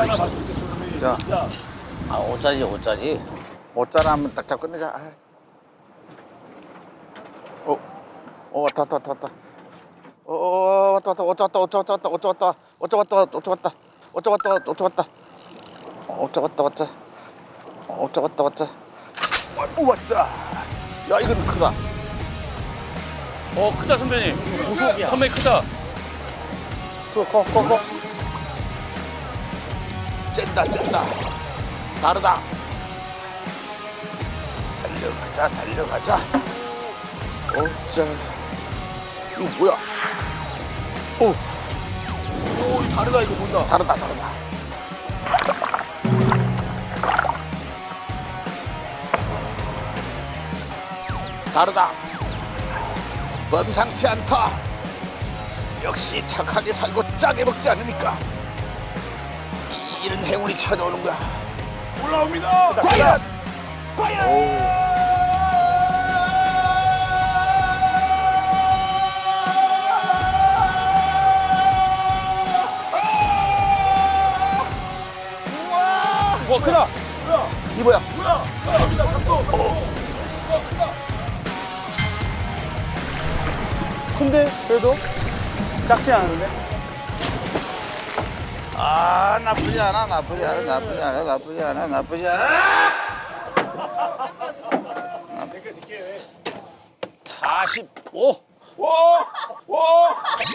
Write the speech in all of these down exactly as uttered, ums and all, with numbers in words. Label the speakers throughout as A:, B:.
A: 오짜나 맛있게 소금이
B: 자.
A: 진짜.
B: 아, 오짜지, 오짜지. 오짜라 한번 딱 잡고 끝내자. 아. 어, 어, 왔다, 왔다, 왔다, 왔다. 어, 어, 왔다, 왔다, 오짜 왔다, 오짜 왔다, 오짜 왔다, 오짜 왔다, 오짜 왔다, 오짜 왔다, 오짜 왔다. 오짜 왔다, 왔다. 오짜 왔다, 왔다. 오, 왔다. 야, 이건 크다.
C: 어 크다 선배님. 고속이야. 선배님 크다.
B: 커, 커, 커, 커. 짠다, 짠다. 다르다. 달려가자, 달려가자. 오짜. 이거 뭐야? 오,
A: 오, 이 다르다 이거 본다.
B: 다르다, 다르다. 다르다. 범상치 않다. 역시 착하게 살고 짜게 먹지 않으니까 이런 행운이 찾아오는 거야.
A: 올라옵니다.
B: 과연! 과연!
C: 와 크다.
B: 이 뭐야?
A: 뭐야? 올라옵니다. 감독.
D: 큰데 그래도 작지 않은데?
B: 아, 나쁘지 않아, 나쁘지 않아, 나쁘지 않아, 나쁘지 않아, 나쁘지 않아. 사십오.
A: 와, 와,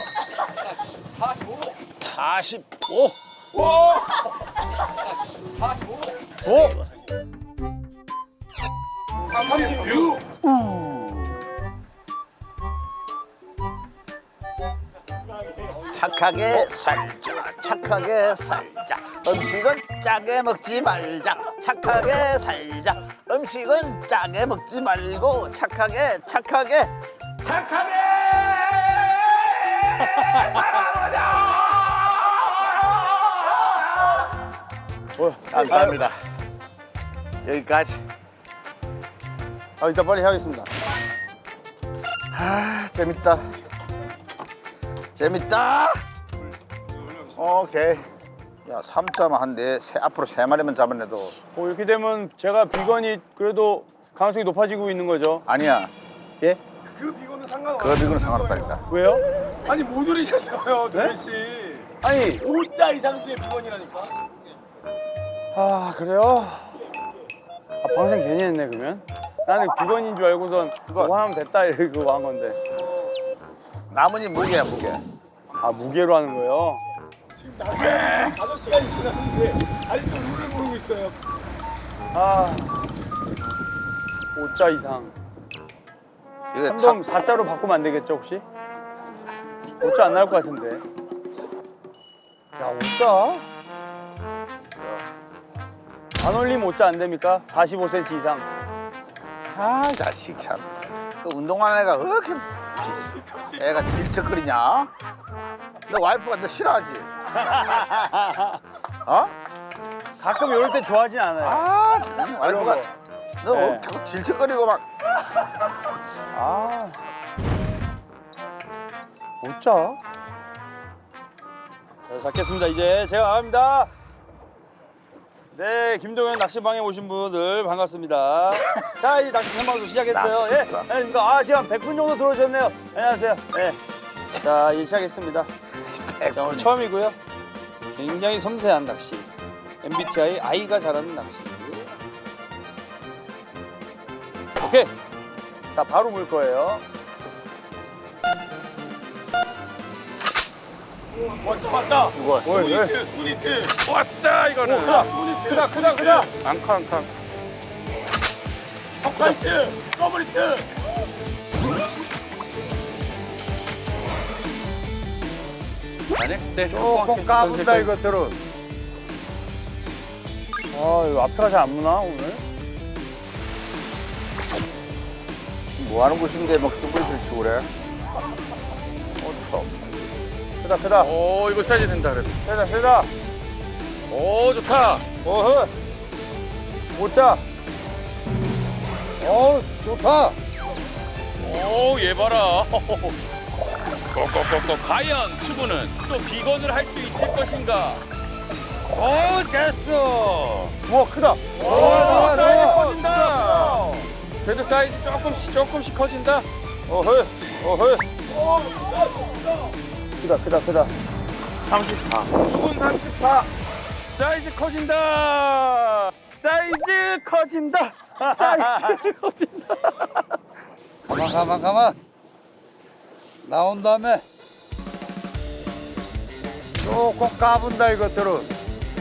B: 사십오.
A: 와, 사십오,
B: 오.
A: 삼십육.
B: 착하게 살자, 착하게 살자. 음식은 짜게 먹지 말자, 착하게 살자. 음식은 짜게 먹지 말고 착하게, 착하게, 착하게 살아보자. 감사합니다. 여기까지.
D: 아 이따 빨리 해야겠습니다.
B: 아, 재밌다. 재밌다. 오케이. 야, 삼 점 한데 앞으로 세 마리만 잡아내도
D: 어, 이렇게 되면 제가 비건이 그래도 가능성이 높아지고 있는 거죠.
B: 아니야.
D: 예?
A: 그 비거는 상관없어.
B: 그 비교는 상관없다니까.
D: 왜요?
A: 아니 못 오르셨어요, 도현 씨.
D: 아니
A: 오자 이상 뒤에 비건이라니까.
D: 아 그래요? 아 방생 괜히 했네 그러면. 나는 비건인 줄 알고선
B: 그거-
D: 그거 하면 됐다 이러고 한 건데.
B: 나머지 무게야, 무게.
D: 아 무게로 하는 거예요?
A: 지금 낮에 다섯 시간이 지났는데 아직도 룰을 모르고 있어요.
D: 아 오자 이상.
B: 이게
D: 삼
B: 참
D: 점 사 자로 바꾸면 안 되겠죠 혹시? 오자 안 나올 것 같은데. 야 오자? 안 올리면 오자 안 됩니까? 사십오 센티미터 이상.
B: 아, 자식 참. 그 운동하는 애가 왜 이렇게 비- 애가 질척거리냐? 너 와이프가 너 싫어하지? 어?
D: 가끔 이럴 때 좋아하진 않아요.
B: 아, 와이프가
D: 거.
B: 너
D: 네.
B: 자꾸 질척거리고 막.
D: 아 오자? 자 잡겠습니다. 이제 제가 나갑니다. 네, 김동현 낚시방에 오신 분들 반갑습니다. 자, 이제 낚시 생방송 시작했어요. 예,
B: 낚시방.
D: 안녕하십니까. 아, 지금 한 백 분 정도 들어오셨네요. 안녕하세요. 예. 자, 이제 시작했습니다. 자, 오늘 처음이고요. 굉장히 섬세한 낚시. 엠비티아이 아이가 잘하는 낚시. 오케이. 자, 바로 물 거예요.
A: 왔어, 왔다.
B: 누가
A: 소니트, 소니트.
C: 왔다 이거는.
A: 크다, 소니트. 크다, 크다, 크다.
C: 앙카 앙카.
A: 컵라이트, 더블리트.
C: 아니? 네.
D: 조금 까분다, 이것들은. 아, 이거 앞에가 잘 안 무나, 오늘?
B: 뭐 하는 곳인데 막 뚜껑을 치고 그래? 어, 참.
D: 크다, 크다.
C: 오 이거 사이즈 된다 그래도.
D: 세다, 세다.
C: 오 좋다.
D: 어허. 오자. 어우, 좋다.
C: 오 얘 봐라. 꼬꼬꼬꼬 과연 추구는 또 비건을 할 수 있을 것인가? 오, 됐어.
B: 우와 크다.
C: 오, 사이즈 커진다. 그래도 사이즈 조금씩 조금씩 커진다.
D: 어허, 어허. 크다, 크다, 크다.
B: 삼십파.
C: 죽은 삼십파. 사이즈 커진다. 사이즈 커진다. 사이즈 커진다.
D: 가만, 가만, 가만. 나온 다음에 조금 까분다 이것들은.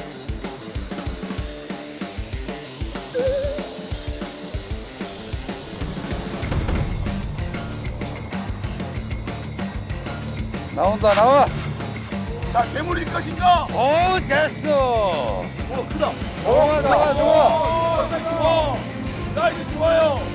D: 나온다, 나와.
A: 자, 괴물일 것인가?
C: 오, 됐어.
A: 오, 크다.
D: 좋아, 좋아, 좋아.
A: 오, 사이즈 좋아. 사이즈 좋아요.